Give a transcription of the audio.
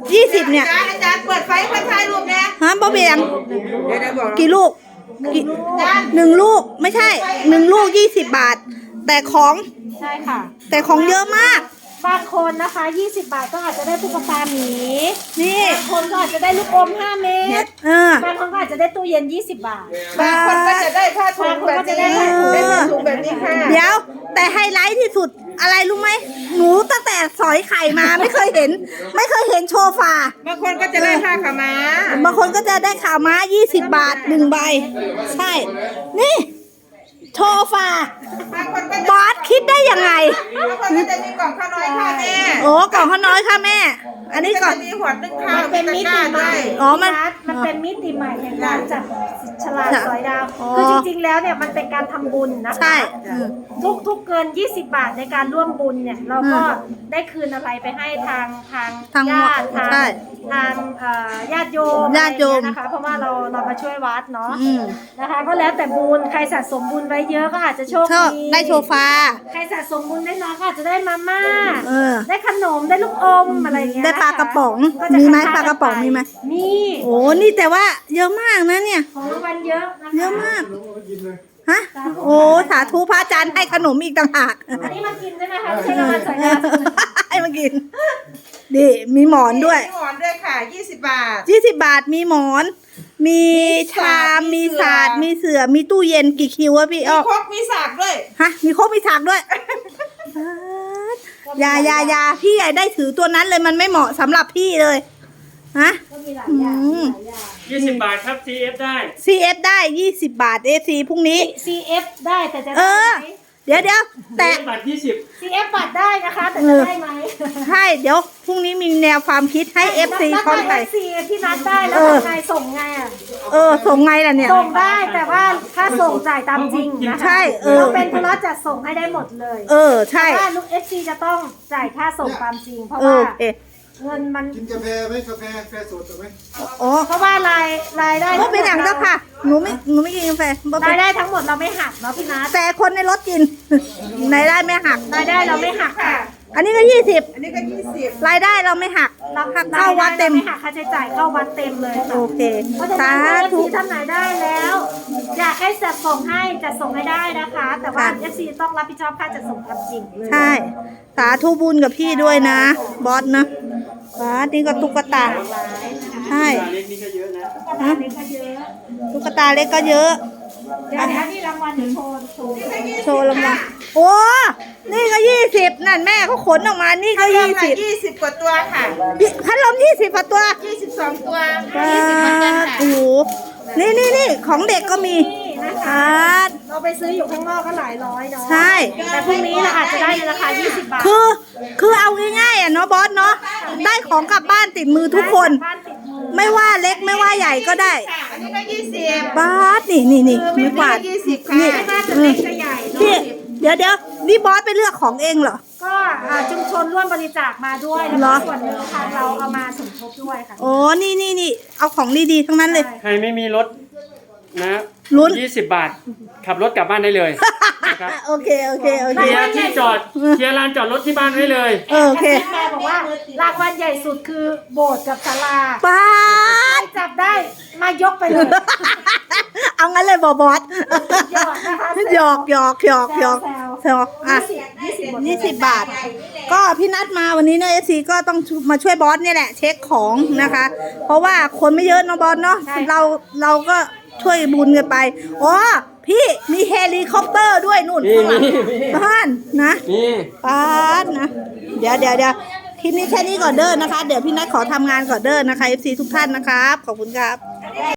20เนี่ยอาจารย์เปิดไฟเพื่อถ่ายรูปเนี่ยฮะบ่เบียงเดี๋ยวบอกกี่ลูกหนึ่งลูกไม่ใช่1 ลูก20 บาทแต่ของใช่ค่ะแต่ของเยอะมากบางคนนะคะ20 บาทก็อาจจะได้ตุ๊กตาหมีนี่บางคนก็อาจจะได้ลูกอม5 เม็ดบางคนก็อาจจะได้ตู้เย็น20 บาทบางคนก็จะได้ผ้าถุงแบบนี้ได้ผ้าถุงแบบนี้ค่ะเดี๋ยวแต่ไฮไลท์ที่สุดอะไรรู้ไหมหนูตั้งแต่สอยไข่มาไม่เคยเห็นโชฟาบางคนก็จะได้ผ้าขาวม้าบางคนก็จะได้ข่าวม้า20 บาท1 ใบใช่นี่โชฟาบอสคิดได้ยังไงบางคนก็จะมีกล่องข้าวน้อยค่ะแม่โอ้กล่องข้าวน้อยค่ะแม่อันนี้ก่อนมีหัวนึ่งข้าวเป็นมิติใหม่มันเป็นมิติใหม่แห่งการจับฉลากสอยดาวคือจริงๆแล้วเนี่ยมันเป็นการทำบุญนะคะใช่ทุกเกิน20 บาทในการร่วมบุญเนี่ยเราก็ได้คืนอะไรไปให้ทางญาติทางญาติโยมนะคะเพราะว่าเรามาช่วยวัดเนาะนะคะก็แล้วแต่บุญใครสะสมบุญไว้เยอะก็อาจจะโชคดีได้โชฟาใครสะสมบุญได้น้อยก็อาจจะได้มาม่าได้ขนมได้ลูกอมอะไรเงี้ยได้ปลากระป๋องมีไหมปลากระป๋องมีไหมมีโอ้นี่แต่ว่าเยอะมากนะเนี่ยของรางวัลเยอะเยอะมากฮะโอ้สาธุพระอาจารย์ให้ขนมอีกต่างหากอันนี้มากินใช่ไหมคะไม่ใช่รางวัลสอยดาวให้มากินดิมีหมอนด้วยมีหมอนด้วยค่ะ20 บาท 20 บาทมีหมอนมีชามมีศาสตร์มีเสื่อมีตู้เย็นกี่คิวอะพี่มีครกมีสากด้วยฮะมีครกมีสากด้วยยาพี่ใหญ่ได้ถือตัวนั้นเลยมันไม่เหมาะสำหรับพี่เลยฮะ 20 บาทครับ CF ได้ CF ได้20 บาท AC พรุ่งนี้ CF ได้แต่จะเดี๋ยวแต่บาท20 CF บัตรได้นะคะแต่จะได้ไหมใช่เดี๋ยวพรุ่งนี้มีแนวความคิดให้ FC คอนไทย FC ที่นัดได้แล้วไงส่งไงอ่ะส่งไงล่ะเนี่ยส่งได้แต่ว่าถ้าส่งจ่ายตามจริงนะคะใช่เราเป็นธุระจัดส่งให้ได้หมดเลยใช่ถ้าลูก FC จะต้องจ่ายค่าส่งตามจริงเพราะว่าเงินมันกินกาแฟไหมกาแฟสดไหมเพราะว่ารายได้ไม่เป็นอย่างเจ้าค่ะหนูไม่กินกาแฟรายได้ทั้งหมดเราไม่หักเนาะพี่นัทแต่คนในรถกินรายได้ไม่หักรายได้เราไม่หักค่ะอันนี้ก็20 อันนี้ก็20 รายได้เราไม่หักเข้าวัดเต็มไม่หักค่าใช้จ่ายเข้าวัดเต็มเลยโอเคสาธุท่านไหนได้แล้วอยากให้จัดส่งให้จัดส่งให้ได้นะคะแต่ว่า FC ต้องรับผิดชอบค่าจัดส่งตามจริงเลยใช่สาธุบุญกับพี่ด้วยนะบอสนะบอสนี่ก็ตุ๊กตาใช่เล็กนี่ก็เยอะนะตุ๊กตาเล็กก็เยอะเดี๋ยวนี่รางวัลโชว์รางวัลโอ้นี่ก็20นั่นแม่เขาขนออกมานี่ก็ 20กว่าตัวค่ะพัดลม20กว่าตัว 22ตัวโอ้โหนี่ของเด็กก็มีเราไปซื้ออยู่ข้างนอกก็หลายร้อยเนาะใช่แต่พรุ่งนี้เราอาจจะได้ในราคา20 บาทคือเอาง่ายๆเนาะบอสเนาะได้ของกลับบ้านติดมือทุกคนไม่ว่าเล็กไม่ว่าใหญ่ก็ได้อันนี้ก็20 บาสนี่ไม่กวาด 20ค่ะไม่ว่าจะเล็กจะใหญ่เนาะเดี๋ยวนี่บอสไปเลือกของเองเหรอก็ชุมชนร่วมบริจาคมาด้วยแล้วส่วนหนึ่งทางเราเอามาสมทบด้วยค่ะโอ้นี่เอาของดีๆทั้งนั้นเลยใครไม่มีรถนะลุ้น 20 บาทขับรถกลับบ้านได้เลยนะครับโอเคเคลียร์ที่จอดเคลียร์ลานจอดรถที่บ้านได้เลยโอเคแม่บอกว่ารางวัลใหญ่สุดคือโบสถ์กับศาลาป้าจับได้มายกไปเลยเอางั้นเลยบอสหยอก20 บาทก็พี่นัดมาวันนี้เนอะ FC ก็ต้องมาช่วยบอสเนี่ยแหละเช็คของนะคะเพราะว่าคนไม่เยอะเนาะบอสเนาะเราก็ช่วยบุญกันไปอ๋อพี่มีเฮลิคอปเตอร์ด้วยนู่นข้างหลังบ้านนะบ้านนะเดี๋ยวคลิปนี้แค่นี้ก่อนเด้อนะคะเดี๋ยวพี่นัทขอทำงานก่อนเด้อนะคะ FC ทุกท่านนะครับขอบคุณครับ